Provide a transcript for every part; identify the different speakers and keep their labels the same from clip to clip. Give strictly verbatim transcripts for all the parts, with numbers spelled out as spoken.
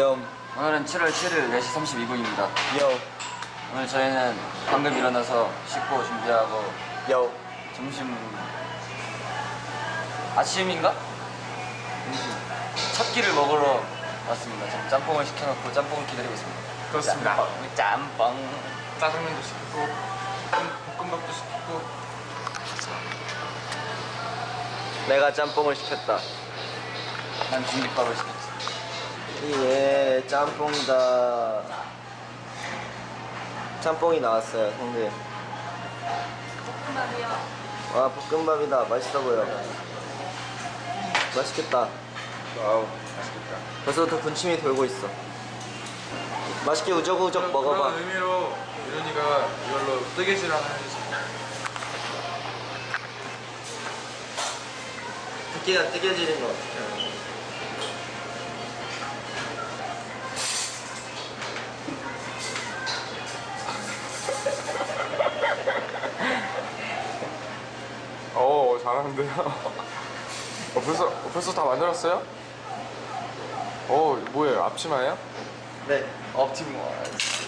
Speaker 1: 요.
Speaker 2: 오늘은 칠월 칠일 네 시 삼십이 분입니다.
Speaker 1: 요.
Speaker 2: 오늘 저희는 방금 일어나서 씻고 준비하고
Speaker 1: 요.
Speaker 2: 점심 아침인가? 첫 끼를 먹으러 왔습니다. 지금 짬뽕을 시켜놓고 짬뽕을 기다리고 있습니다.
Speaker 3: 그렇습니다.
Speaker 2: 짬뽕, 짬뽕.
Speaker 3: 짜장면도 시키고 볶음밥도 시키고.
Speaker 1: 내가 짬뽕을 시켰다.
Speaker 2: 난 공깃밥을 시켰지.
Speaker 1: 예, 짬뽕이다. 짬뽕이 나왔어요, 형들.
Speaker 4: 볶음밥이요.
Speaker 1: 와, 볶음밥이다. 맛있어 보여. 맛있겠다.
Speaker 3: 와우, 맛있겠다.
Speaker 1: 벌써부터 군침이 돌고 있어. 맛있게 우적우적
Speaker 3: 그런,
Speaker 1: 먹어봐.
Speaker 3: 그런 의미로 유현이가 이걸로 뜨개질 하나 해주세요.
Speaker 1: 새끼가 뜨개질인 거 같아.
Speaker 3: 오, 잘하는데요. 어, 벌써, 어, 벌써 다 만들었어요? 오, 뭐예요? 앞치마예요?
Speaker 1: 네.
Speaker 2: 옵티머스.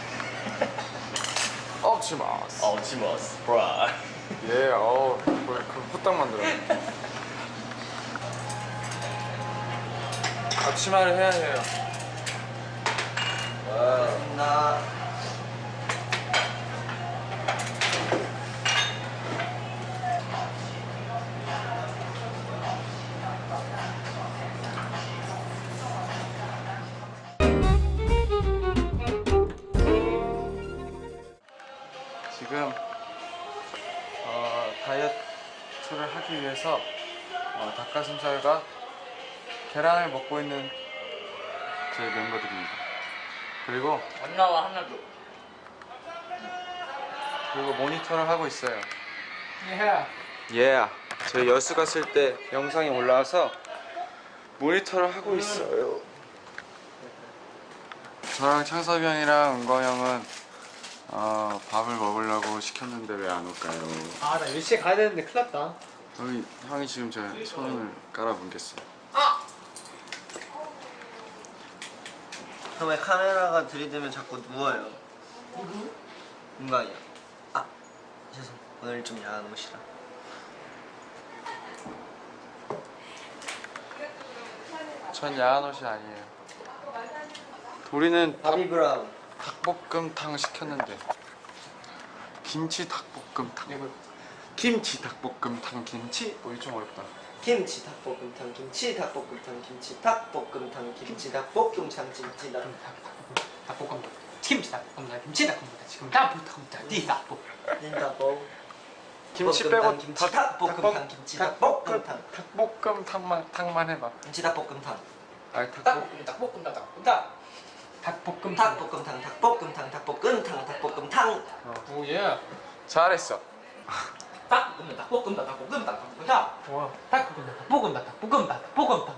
Speaker 3: 앞치마스.
Speaker 2: 옵티머스 브라.
Speaker 3: 예, 어, 뭐, 그 후딱 만들었네. 앞치마를 해야 해요.
Speaker 1: 와, 나.
Speaker 3: 지금 어, 다이어트를 하기 위해서 어, 닭가슴살과 계란을 먹고 있는 저희 멤버들입니다. 그리고
Speaker 2: 안 나와 하나도.
Speaker 3: 그리고 모니터를 하고 있어요.
Speaker 2: 예.
Speaker 3: 예. 저희 여수 갔을 때 영상이 올라와서 모니터를 하고 있어요. 저랑 창섭이 형이랑 은광 형은 어, 밥을 먹으려고 시켰는데 왜 안 올까요?
Speaker 5: 아, 나 일시에 가야 되는데 큰일 났다.
Speaker 3: 형이, 형이 지금 제 손을 깔아뭉갰어요.
Speaker 1: 형 왜 카메라가 들이대면 자꾸 누워요? 인간이야. 아, 죄송. 오늘 좀 야한 옷이라.
Speaker 3: 전 야한 옷이 아니에요. 우리는 닭,
Speaker 1: 바비 브라운.
Speaker 3: 닭볶음탕 시켰는데 김치 닭볶음탕 김치 닭볶음탕 김치 뭐 이거 좀 어렵다.
Speaker 1: 김치 닭볶음탕 김치 닭볶음탕 김치 닭볶음탕 김치 닭볶음탕 김치 닭
Speaker 5: 닭볶음탕, 김치 닭볶음탕, 김치 닭볶음탕, 지금 닭볶음탕, 띠 닭볶.
Speaker 1: 닭볶
Speaker 3: 김치
Speaker 1: 볶음탕,
Speaker 3: 빼고
Speaker 1: 김치 닭볶음탕 김치 닭볶음탕
Speaker 3: 닭볶음탕만 탕만 해봐.
Speaker 1: 김치 닭볶음탕
Speaker 3: 아니 닭볶
Speaker 5: 닭볶음탕, 닭볶음탕, 닭볶음탕. 닭볶음탕.
Speaker 1: 닭볶음탕 닭볶음탕 닭볶음탕 닭볶음탕.
Speaker 5: 오예.
Speaker 3: 잘했어.
Speaker 5: 닭볶음탕, 닭볶음탕, 닭볶음탕, 닭볶음탕. 와. 닭볶음탕, 닭볶음탕, 닭볶음탕, 닭볶음탕.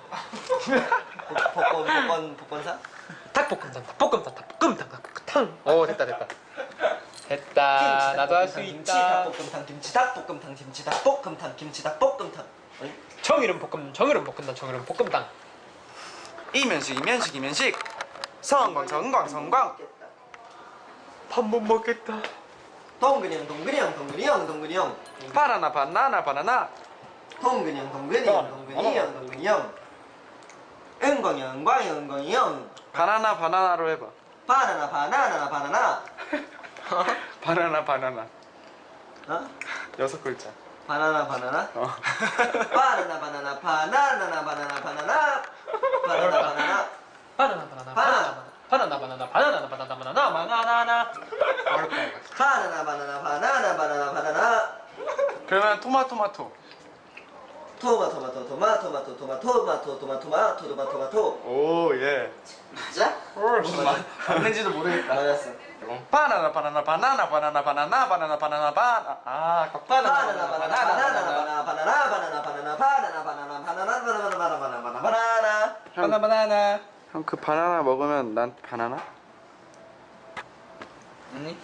Speaker 1: 복권 복권 복권사?
Speaker 5: 닭볶음탕, 닭볶음탕, 닭볶음탕, 닭볶음탕. 오, 됐다, 됐다. 됐다. 나도 할 수
Speaker 1: 김치
Speaker 5: 있다.
Speaker 1: 닭볶음탕 김치 닭볶음탕 김치 닭볶음탕 김치 닭볶음탕.
Speaker 5: 정이름 볶음, 정이름 볶음탕, 정이름 볶음탕.
Speaker 3: 이면식 이면식 이면식 성광 성광 성광. 밥 못 먹겠다.
Speaker 1: 동근이 형 동근이 형 동근이 형 동근이 형
Speaker 3: 바나나 바나나 바나나.
Speaker 1: 동근이 형 동근이 형 동근이 형 동근이 형 은광이 형 은광이 형 은광이 형
Speaker 3: 바나나 바나나로 해봐.
Speaker 1: 바나나 바나나 바나나.
Speaker 3: 바나나 바나나.
Speaker 1: 어?
Speaker 3: 여섯 글자.
Speaker 1: 바나나 바나나?
Speaker 3: 어.
Speaker 1: 바나나 바나나 바나나나 바나나 바나나 바나나 바나나
Speaker 5: 바나나, 바나나, 바나나, 바나나, 바나나, 바나나, 바나나, 바나나, 바나나나. 어렵다 이거.
Speaker 1: 바나나 바나나 바나나 바나나 바나나.
Speaker 3: 그러면 토마토마토.
Speaker 1: 토마토마토 토마토마토 토마토마토 토마토마토 토마토마토.
Speaker 3: 오 예.
Speaker 1: 맞아? 무슨 말 맞는지도 모르겠다. 맞았어.
Speaker 3: 바나나 바나나 바나나 바나나 바나나 바나나 바나나 바나. 아
Speaker 1: 바나나 바나나 바나나 바나나 바나나 바나나 바나나 바나나 바나나 바나나 바나나 바나나 바나나 바나나 바나나.
Speaker 5: 바나나, 바나나.
Speaker 3: 형 그 바나나 먹으면 난 바나나?
Speaker 1: 아니?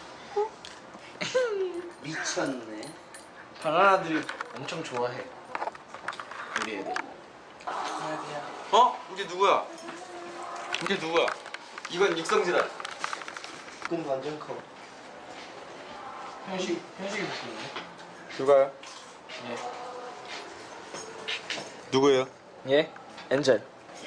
Speaker 1: 미쳤네.
Speaker 5: 바나나들이 엄청 좋아해. 우리 애들.
Speaker 3: 어? 이게 누구야? 이게 누구야? 이건 육성지다.
Speaker 1: 꿈 완전 커.
Speaker 5: 현식 현식이 느낌인데.
Speaker 3: 누가요?
Speaker 5: 예.
Speaker 3: 누구예요?
Speaker 5: 예. 엔젤.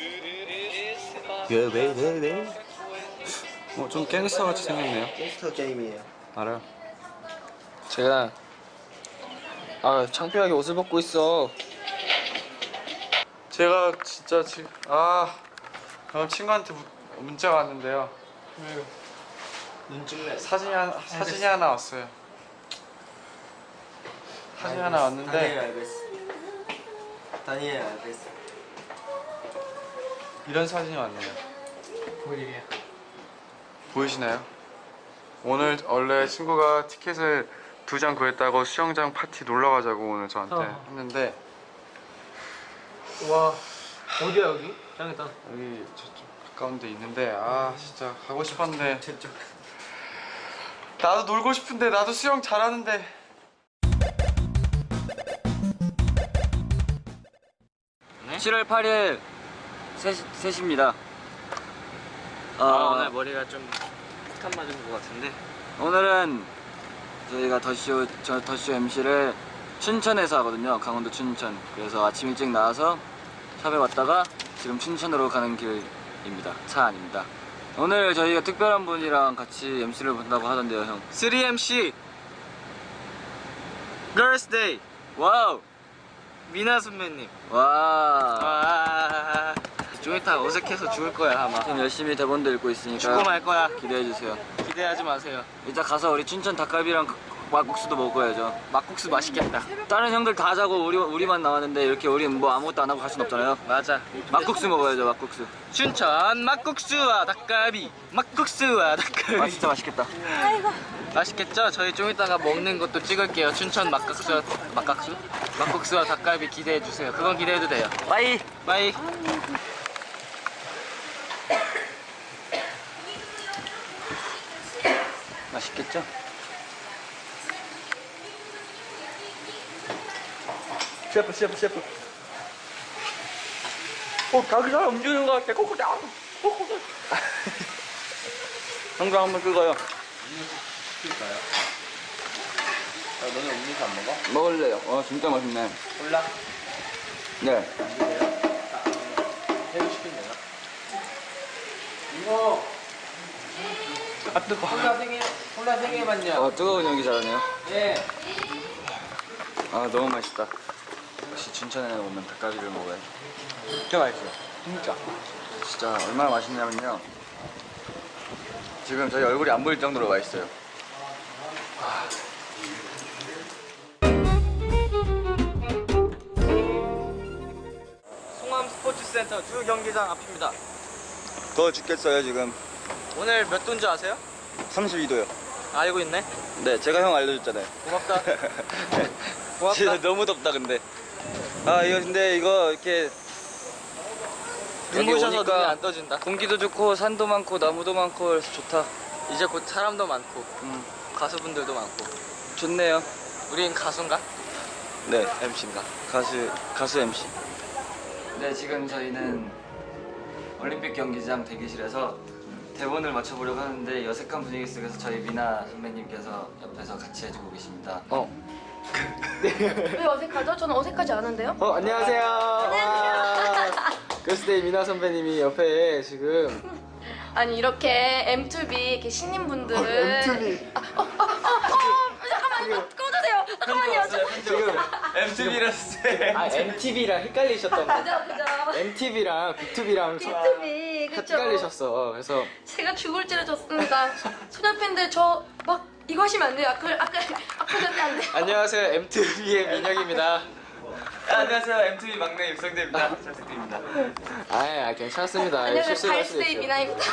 Speaker 3: 어, 좀 갱스터 같이 생겼네요.
Speaker 1: 몬스터 게임이에요.
Speaker 3: 알아요.
Speaker 5: 제가 아 창피하게 옷을 벗고 있어.
Speaker 3: 제가 진짜 지금 아 방금 친구한테 무, 문자가 왔는데요.
Speaker 1: 눈 찍네.
Speaker 3: 사진이 하나, 사진이 하나 왔어요. 사진이 하나
Speaker 1: 다니엘
Speaker 3: 왔는데
Speaker 1: 알베스. 다니엘 알베스.
Speaker 3: 이런 사진이 왔네요.
Speaker 5: 뭘 일이야?
Speaker 3: 보이시나요? 오늘 원래 친구가 티켓을 두 장 구했다고 수영장 파티 놀러 가자고 오늘 저한테
Speaker 5: 어.
Speaker 3: 했는데
Speaker 5: 와 어디야 여기? 짱이다.
Speaker 3: 여기 저쪽 가까운 데 있는데 아 진짜 가고 싶었는데
Speaker 1: 저쪽.
Speaker 3: 나도 놀고 싶은데 나도 수영 잘하는데
Speaker 2: 칠월 팔일 세 시입니다. 어,
Speaker 5: 아 오늘 머리가 좀 폭탄 맞은 것 같은데.
Speaker 2: 오늘은 저희가 더쇼 저 더쇼 엠씨를 춘천에서 하거든요. 강원도 춘천. 그래서 아침 일찍 나와서 샵에 왔다가 지금 춘천으로 가는 길입니다. 차 아닙니다. 오늘 저희가 특별한 분이랑 같이 엠씨를 본다고 하던데요, 형.
Speaker 5: 쓰리 엠씨 Girls Day
Speaker 2: 와우.
Speaker 5: 미나 선배님.
Speaker 2: 와.
Speaker 5: 와. 좀 이따 어색해서 죽을 거야 아마.
Speaker 2: 지금 열심히 대본도 읽고 있으니까
Speaker 5: 죽고 말 거야.
Speaker 2: 기대해 주세요.
Speaker 5: 기대하지 마세요.
Speaker 2: 이따 가서 우리 춘천 닭갈비랑 막국수도 먹어야죠.
Speaker 5: 막국수 맛있겠다.
Speaker 2: 다른 형들 다 자고 우리 우리만 나왔는데 이렇게 우리 뭐 아무것도 안 하고 갈 순 없잖아요.
Speaker 5: 맞아.
Speaker 2: 막국수 먹어야죠, 막국수.
Speaker 5: 춘천 막국수와 닭갈비. 막국수와 닭갈비.
Speaker 2: 아 진짜 맛있겠다.
Speaker 5: 맛있겠죠? 저희 좀 이따가 먹는 것도 찍을게요. 춘천 막국수, 막국수? 막국수와 닭갈비 기대해 주세요. 그건 기대해도 돼요.
Speaker 2: 빠이.
Speaker 5: 빠이.
Speaker 2: 맛있겠죠?
Speaker 5: 셰프, 셰프, 셰프. 어, 가기 잘 움직이는 것 같아. 코코다. 코코다.
Speaker 2: 형도 한번 끄고요.
Speaker 1: 시킬까요? 아, 너네 음료수 안 먹어?
Speaker 2: 먹을래요. 어 진짜 맛있네.
Speaker 5: 몰라.
Speaker 2: 네.
Speaker 5: 새우 시키면 되나? 이거. 아, 뜨거. 콜라 생일, 콜라 생일만요.
Speaker 2: 어 뜨거운 연기 잘하네요.
Speaker 5: 예.
Speaker 2: 아 너무 맛있다. 역시 춘천에 오면 닭갈비를 먹어야지.
Speaker 5: 진짜 맛있어요. 진짜.
Speaker 2: 진짜 얼마나 맛있냐면요. 지금 저희 얼굴이 안 보일 정도로 맛있어요.
Speaker 5: 송암 스포츠센터 주 경기장 앞입니다.
Speaker 2: 더워 죽겠어요 지금.
Speaker 5: 오늘 몇 도인지 아세요?
Speaker 2: 삼십이 도요.
Speaker 5: 알고 있네.
Speaker 2: 네 제가 형 알려줬잖아요.
Speaker 5: 고맙다. 고맙다.
Speaker 2: 진짜 너무 덥다 근데. 아 이거 근데 이거 이렇게 여기
Speaker 5: 눈부셔서
Speaker 2: 오니까
Speaker 5: 눈이 안 떠진다.
Speaker 2: 공기도 좋고 산도 많고 나무도 많고 그래서 좋다.
Speaker 5: 이제 곧 사람도 많고
Speaker 2: 음
Speaker 5: 가수분들도 많고.
Speaker 2: 좋네요.
Speaker 5: 우린 가수인가?
Speaker 2: 네
Speaker 5: 엠씨인가?
Speaker 2: 가수 가수 엠씨. 네 지금 저희는 올림픽 경기장 대기실에서 대본을 맞춰보려고 하는데 어색한 분위기 속에서 저희 미나 선배님께서 옆에서 같이 해주고 계십니다.
Speaker 5: 어.
Speaker 4: 왜 어색하죠? 저는 어색하지 않은데요?
Speaker 5: 어 안녕하세요. 안녕하세요. 걸스데이 미나 선배님이 옆에 지금.
Speaker 4: 아니 이렇게 엠투비 이렇게 신인분들을
Speaker 5: 엠투비.
Speaker 4: 아, 어, 어, 어, 어, 잠깐만 이거 꺼주세요. 잠깐만요.
Speaker 5: 지금
Speaker 2: 엠티비라서 쎄.
Speaker 5: 아 엠티비랑 헷갈리셨던 거.
Speaker 4: 그죠 그죠.
Speaker 5: 엠티비랑 비투비랑
Speaker 4: 비투비 그쵸.
Speaker 5: 헷갈리셨어. 그래서
Speaker 4: 제가 죽을 찌르셨습니다. 소녀 팬들 저 막 이거 하시면 안 돼요. 아까 아까 아까 전에 안 돼요.
Speaker 5: 안녕하세요 엠티비의 민혁입니다.
Speaker 2: 안녕하세요 엠티비 막내 육성재입니다. 잘 부탁드립니다.
Speaker 5: 아, 아 괜찮습니다.
Speaker 4: 안녕하세요
Speaker 5: 실수를 할 수도
Speaker 4: 갈스데이
Speaker 5: 있어요.
Speaker 4: 미나입니다.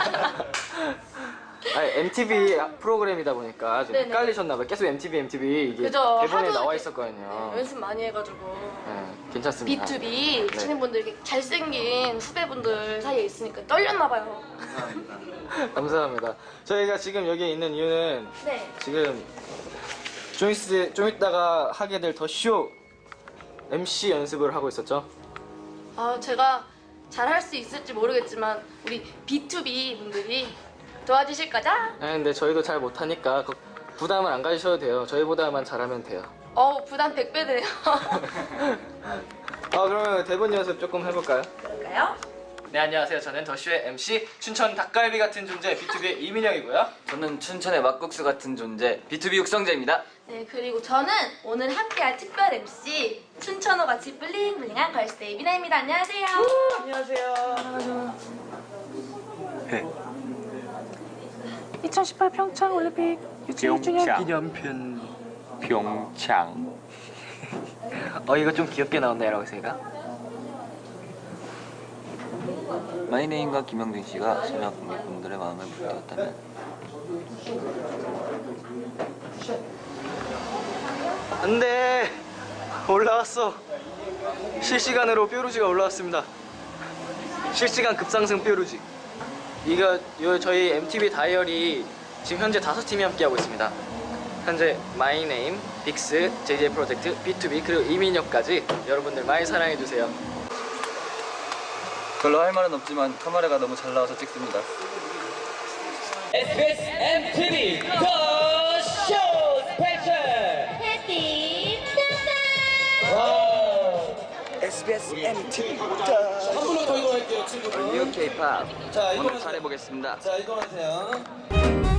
Speaker 5: 아니 엠티비 프로그램이다 보니까 좀
Speaker 4: 네네.
Speaker 5: 헷갈리셨나봐요. 계속 엠티비 엠티비 이게
Speaker 4: 그죠.
Speaker 5: 대본에
Speaker 4: 하도
Speaker 5: 나와
Speaker 4: 이렇게,
Speaker 5: 있었거든요.
Speaker 4: 네, 연습 많이 해가지고.
Speaker 5: 네, 괜찮습니다.
Speaker 4: 비투비
Speaker 5: 네.
Speaker 4: 신인분들 이렇게 잘생긴 후배분들 사이에 있으니까 떨렸나봐요.
Speaker 5: 감사합니다. 저희가 지금 여기에 있는 이유는
Speaker 4: 네.
Speaker 5: 지금 좀, 있, 좀 있다가 하게 될 더 쇼 엠씨 연습을 하고 있었죠.
Speaker 4: 아 제가 잘 할 수 있을지 모르겠지만 우리 비투비 분들이 도와주실 거죠?
Speaker 5: 아 근데 저희도 잘 못하니까 그 부담을 안 가지셔도 돼요. 저희보다만 잘하면 돼요.
Speaker 4: 어우 부담 백 배 되네요.
Speaker 5: 아 그러면 대본 연습 조금 해볼까요?
Speaker 4: 그럴까요?
Speaker 5: 네 안녕하세요. 저는 더쇼의 엠씨 춘천 닭갈비 같은 존재 비투비의 이민영이고요.
Speaker 2: 저는 춘천의 막국수 같은 존재 비투비 육성재입니다.
Speaker 4: 네 그리고 저는 오늘 함께할 특별 엠씨 춘천호 같이 블링블링한 걸스데이 미나입니다. 안녕하세요.
Speaker 6: 이천십팔 평창 올림픽 유치원
Speaker 5: 기념편 평창. 어 이거 좀 귀엽게 나온다 여러분가.
Speaker 2: 마이네임과 김영준 씨가 소녀 관객분들의 마음을 불태웠다면
Speaker 5: 안돼 올라왔어. 실시간으로 뾰루지가 올라왔습니다. 실시간 급상승 뾰루지. 이거 요 저희 엠티비 다이어리 지금 현재 다섯 팀이 함께하고 있습니다. 현재 마이네임, 빅스, 제이제이 프로젝트, 비투비 그리고 이민혁까지 여러분들 많이 사랑해주세요.
Speaker 2: 별로 할 말은 없지만 카메라가 너무 잘 나와서 찍습니다.
Speaker 7: 에스비에스 엠티비 더쇼 스페셜
Speaker 4: 해피
Speaker 1: 에스비에스 엠티비
Speaker 7: 한 분만 더 이동할게요 친구들.
Speaker 2: 뉴 케이팝
Speaker 7: 자
Speaker 2: 오늘
Speaker 7: 이동하세요.
Speaker 2: 잘해보겠습니다.
Speaker 7: 자 이동하세요.